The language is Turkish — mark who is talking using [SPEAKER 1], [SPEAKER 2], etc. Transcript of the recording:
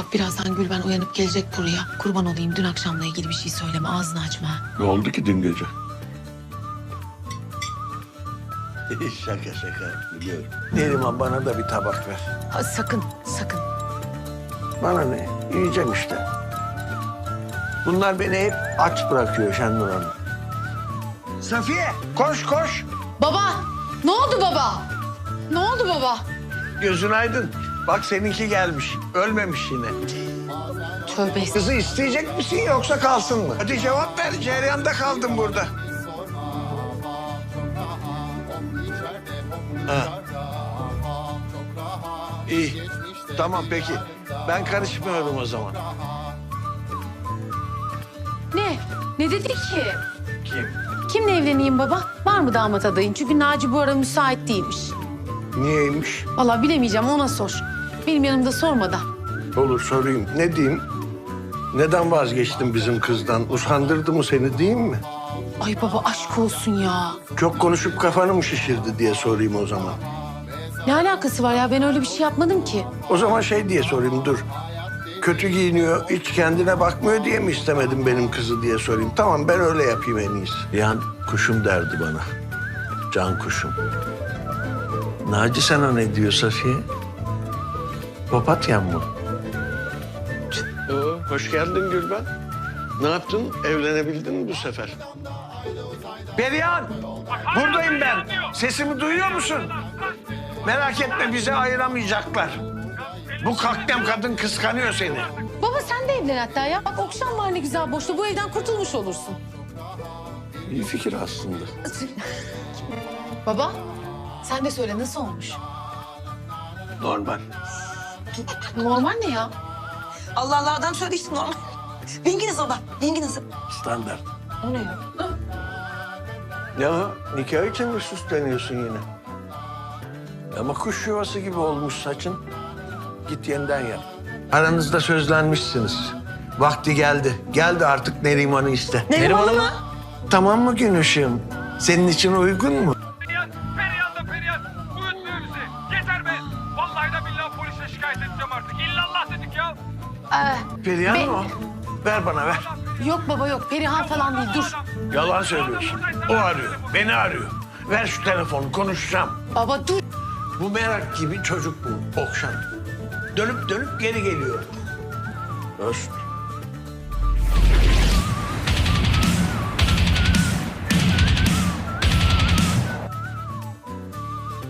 [SPEAKER 1] Bak birazdan Gülben uyanıp gelecek buraya. Kurban olayım, dün akşamla ilgili bir şey söyleme, ağzını açma.
[SPEAKER 2] Ne oldu ki dün gece?
[SPEAKER 3] Şaka biliyorum. Neriman bana da bir tabak ver.
[SPEAKER 1] Ha, sakın, sakın.
[SPEAKER 3] Bana ne? Yiyeceğim işte. Bunlar beni hep aç bırakıyor Şenur Hanım. Safiye koş koş.
[SPEAKER 1] Baba! Ne oldu baba? Ne oldu baba?
[SPEAKER 3] Gözün aydın. Bak seninki gelmiş. Ölmemiş yine.
[SPEAKER 1] Tövbe
[SPEAKER 3] Kızı isteyecek misin yoksa kalsın mı? Hadi cevap ver. Cereyanda kaldım burada. Ha. İyi. Tamam peki. Ben karışmıyorum o zaman.
[SPEAKER 1] Ne? Ne dedi ki?
[SPEAKER 3] Kim?
[SPEAKER 1] Kimle evleneyim baba? Var mı damat adayın? Çünkü Naci bu ara müsait değilmiş.
[SPEAKER 3] Niyeymiş?
[SPEAKER 1] Vallahi bilemeyeceğim, ona sor. Benim yanımda sorma da.
[SPEAKER 3] Olur sorayım. Ne diyeyim? Neden vazgeçtin bizim kızdan? Usandırdı mı seni diyeyim mi?
[SPEAKER 1] Ay baba aşk olsun ya.
[SPEAKER 3] Çok konuşup kafanı mı şişirdi diye sorayım o zaman.
[SPEAKER 1] Ne alakası var ya? Ben öyle bir şey yapmadım ki.
[SPEAKER 3] O zaman şey diye sorayım dur. Kötü giyiniyor, hiç kendine bakmıyor diye mi istemedin benim kızı diye sorayım. Tamam ben öyle yapayım en iyisi. Yan kuşum derdi bana. Can kuşum. Naci sana ne diyor Safiye? Papatyan mı? Hoş geldin Gülben. Ne yaptın? Evlenebildin mi bu sefer? Perihan! Buradayım ben. Sesimi duyuyor musun? Merak etme bizi ayıramayacaklar. Bu kaknem kadın kıskanıyor seni.
[SPEAKER 1] Baba sen de evlen hatta ya. Bak Okşan var ne güzel boşta. Bu evden kurtulmuş olursun.
[SPEAKER 3] İyi fikir aslında.
[SPEAKER 1] Baba sen de söyle, nasıl olmuş?
[SPEAKER 3] Normal.
[SPEAKER 1] Normal ne ya?
[SPEAKER 4] Allah Allah adam söyledi işte normal. Bengi nasıl baba? Bengi nasıl?
[SPEAKER 3] Standart.
[SPEAKER 1] O ne ya?
[SPEAKER 3] Ya nikah için mi süsleniyorsun yine? Ama kuş yuvası gibi olmuş saçın. Git yeniden yap. Aranızda sözlenmişsiniz. Vakti geldi. Geldi artık Neriman'ı iste.
[SPEAKER 4] Neriman'ı mı?
[SPEAKER 3] Tamam mı gün ışığım? Senin için uygun mu?
[SPEAKER 5] Perihan da Perihan. Uyutmuyor bizi. Yeter be. Vallahi de billahi polise şikayet edeceğim artık. İllallah dedik ya.
[SPEAKER 3] Perihan mı o? Ver bana ver.
[SPEAKER 1] Yok baba yok. Perihan falan değil, dur.
[SPEAKER 3] Yalan söylüyorsun. O arıyor. Beni arıyor. Ver şu telefonu konuşacağım.
[SPEAKER 1] Baba dur.
[SPEAKER 3] Bu merak gibi çocuk bu Okşan. Dönüp dönüp geri geliyor. Öst.